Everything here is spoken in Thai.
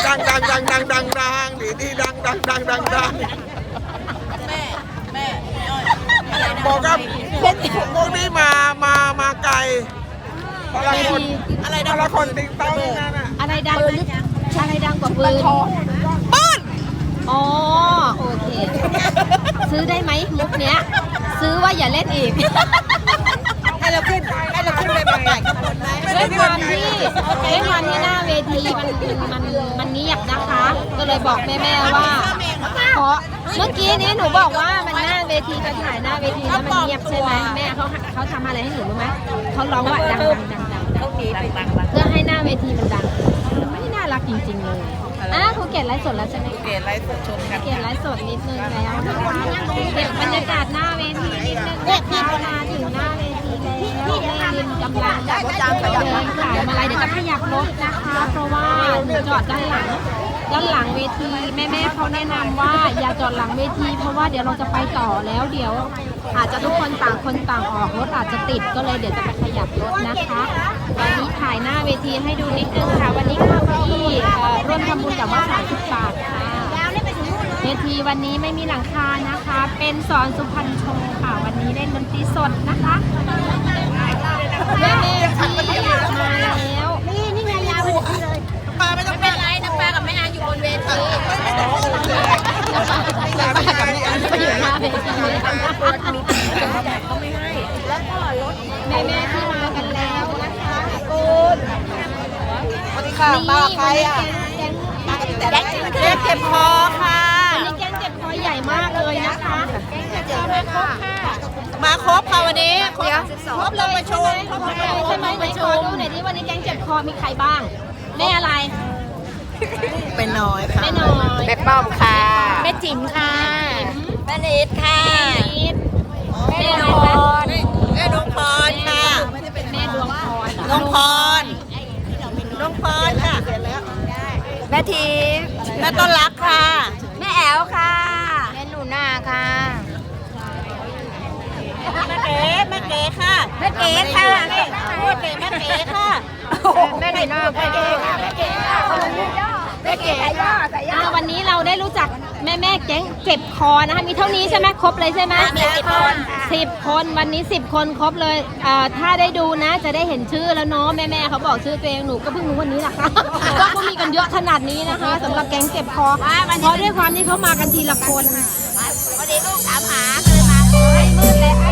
ดังดีดีดังแม่บอกว่าพวกนี้มาไกลพละคนติ๊กต๊อกนั่นน่ะอะไรดังกว่าปืนอ๋อโอเคซื้อได้ไหมมุกเนี้ยซื้อว่าอย่าเล่นอีกให้เราขึ้นไปใหม่กับคนไหมด้วยความที่หน้าเวทีมันเงียบนะคะ ก็เลยบอกแม่ว่าเพราะเมื่อกี้นี้หนูบอกว่ามันหน้าเวทีจะถ่ายหน้าเวทีแล้วมันเงียบใช่ไหมแม่เขาทำอะไรให้หนูรู้ไหมเขาร้องว่าดังเพื่อให้หน้าเวทีมันดังไม่น่ารักจริงๆเลยครูเกดไลฟ์สดแล้วใช่ไหมเกดไลฟ์สดชมกันเกดไลฟ์สดนิดนึงแล้วนะคะเก็บบรรยากาศหน้าเวทีนิดนึงนะคะมาถึงหน้าเวทีแล้วแม่ลินกำลังจะเดินขายมาลัยเดี๋ยวจะขยับรถนะคะ เพราะว่าหนูจอดด้านหลังเวทีแม่เขาแนะนำว่าอย่าจอดหลังเวทีเพราะว่าเดี๋ยวเราจะไปต่อแล้วเดี๋ยวอาจจะทุกคนต่างออกรถอาจจะติดก็เลยเดี๋ยวจะไปขยับรถนะคะวันนี้ถ่ายหน้าเวทีให้ดูนิดนึงค่ะวันนี้ค่าที่ร่วมทำบุญกับวัด30 บาทค่ะเวทีวันนี้ไม่มีหลังคานะคะเป็นสอนสุพรรณโชว์ค่ะวันนี้เล่นดนตรีสดนะคะแม่ที่มาแล้วนี่ไงยาวเลยปลาไม่ต้องเป็นไรนะปลากับแม่อาอยู่บนเวทีไปอยู่หน้าเวทีก็ไม่ให้แล้วก็รถแม่ที่มากันแล้วนะคะสวัสดีค่ะมาใครอ่ะแก๊งเจ็บคอค่ะวันนี้แก๊งเจ็บคอใหญ่มากเลยนะคะมาครบค่ะวันนี้ครบเลยใช่ไหมไหนขอดูหน่อยดิวันนี้แก๊งเจ็บคอมีใครบ้างแม่อะไรเป็นน้อยค่ะแม่น้อยแม่ป้อมค่ะแม่จิ๋มค่ะแม่นิดค่ะแม่อะไรคะแม่ดวงพรค่ะแม่ดวงพรดวงพรค่ะแม่ทีแม่ต้นรักค่ะแม่แอลค่ะแม่หนูนาค่ะแม่เก๋ค่ะแม่เก๋ค่ะแม่เก๋ค่ะแม่หนูนาแม่เก๋ค่ะแม่เก๋ค่ะแม่เก๋วันนี้เราได้รู้จักแม่แก๊งเจ็บคอนะคะมีเท่านี้ใช่ไหมครบเลยใช่ไหมมี 10 คนวันนี้10 คนครบเลยถ้าได้ดูนะจะได้เห็นชื่อแล้วเนาะแม่เขาบอกชื่อตัวเองหนูก็เพิ่งรู้วันนี้แหละค่ะว่าเขามีกันเยอะขนาดนี้นะคะสำหรับแก๊งเจ็บคอเพราะด้วยความที่เขามากันทีละคนวันนี้ลูกถามหาเลยมาไม่มืดเลย